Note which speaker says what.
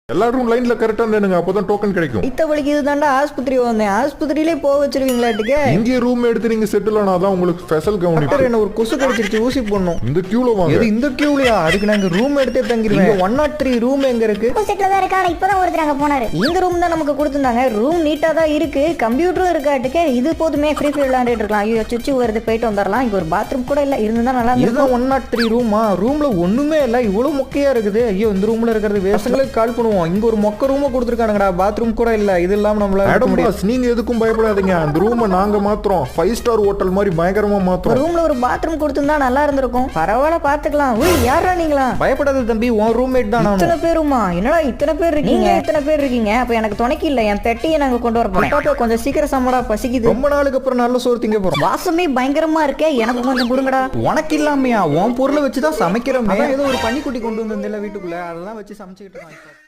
Speaker 1: எல்லா ரூம் லைன்ல கரெக்டா நின்னுங்க, அப்பதான் டோக்கன் கிடைக்கும்.
Speaker 2: இத்த வலிக்கு இதுதான்டா ஆஸ்பத்திரி வந்தேன். ஆஸ்பத்திரியிலே போக வச்சிருவீங்களாட்டுக்கு.
Speaker 1: இங்கே ரூம் எடுத்து நீங்க செட்டில் ஆனாதான் உங்களுக்கு ஸ்பெஷல் கவனிப்பு.
Speaker 2: என்ன ஒரு கொசு கடிச்சிருச்சு, ஊசி போடணும்.
Speaker 1: இந்த கியூல வாங்க.
Speaker 2: எது இந்த கியூலயா? அதுக்கு நாங்க ரூம் எடுத்தே தங்கிருவேன். 103 ரூம் எங்க இருக்கு?
Speaker 3: செட்ல தான் இருக்கா. இப்பதான் ஒருத்தர் அங்க போனாரு.
Speaker 2: இந்த ரூம் தான் நமக்கு கொடுத்திருந்தாங்க. ரூம் நீட்டா தான் இருக்கு, கம்ப்யூட்டரும் இருக்காட்டுக்கு. இது போதுமே, ஃப்ரீ ஃபயர் விளையாண்டுட்டு இருக்கலாம். ஐயோ சுச்சு வருது, போயிட்டு வந்துடலாம். இங்க ஒரு பாத்ரூம் கூட இல்ல, இருந்தா நல்லா இருக்கும். 103 ரூமா? ரூம்ல ஒண்ணுமே இல்ல, இவ்வளவு மொக்கையா இருக்குது. ஐயோ இந்த ரூம்ல இருக்கிறது வேஸ்ட்களுக்கு கால் பண்ணுவோம். இங்க ஒரு மொக்க ரூம் கொடுத்துருக்கானுங்கடா, பாத்ரூம் கூட இல்ல. இது இல்லாம நம்மளால
Speaker 1: நீங்க எதுக்கும் பயப்படாதீங்க. அந்த ரூமை நாங்க மாத்துறோம். 5 ஸ்டார் ஹோட்டல் மாதிரி பயங்கரமா மாத்துறோம்.
Speaker 2: ரூம்ல ஒரு பாத்ரூம் கொடுத்திருந்தா நல்லா இருந்திருக்கும். பரவாயில்ல, பாத்துக்கலாம். ஓய் யாரா நீங்களா? பயப்படாத தம்பி, உன் ரூம்மேட் தான் நான். இத்தனை பேருமா? என்னடா இத்தனை பேர் இருக்கீங்க? இத்தனை பேர் இருக்கீங்க. அப்ப எனக்கு துணைக்கு இல்ல, என் பெட்டியை நாங்க கொண்டு வர போறோம். கொஞ்சம் சீக்கிரம் சம்மடா, பசிக்குது. ரொம்ப நாளுக்கு அப்புறம் நல்ல சோறு திங்க போறோம். வாசமே பயங்கரமா இருக்கே, எனக்கு கொஞ்சம் கொடுங்கடா. உனக்கு இல்லாமையா? உன் பொருளை வச்சுதான் சமைக்கிறோம். ஏதோ ஒரு பன்னிக்குட்டி கொண்டு வந்திருந்தேன் வீட்டுக்குள்ள, அதெல்லாம் வச்சு சமைச்சுக்கிட்டு இருக்கோம்.